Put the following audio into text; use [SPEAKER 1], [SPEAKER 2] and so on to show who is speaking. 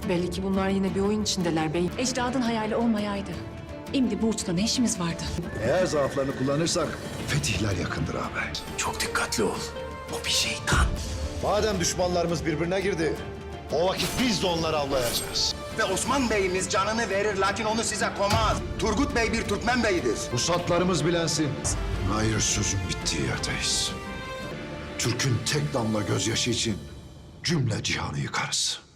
[SPEAKER 1] Belli ki bunlar yine bir oyun içindeler bey.
[SPEAKER 2] Ecdadın hayali olmayaydı. Şimdi bu uçta ne işimiz vardı?
[SPEAKER 3] Eğer zaaflarını kullanırsak fetihler yakındır ağabey.
[SPEAKER 4] Çok dikkatli ol. O bir şeytan.
[SPEAKER 3] Madem düşmanlarımız birbirine girdi, o vakit biz de onları avlayacağız.
[SPEAKER 5] Ve Osman Bey'imiz canını verir lakin onu size komaz. Turgut Bey bir Türkmen beyidir.
[SPEAKER 3] Rusatlarımız bilensin. Hayır, sözün bittiği yerdeyiz. Türk'ün tek damla gözyaşı için cümle cihanı yıkarız.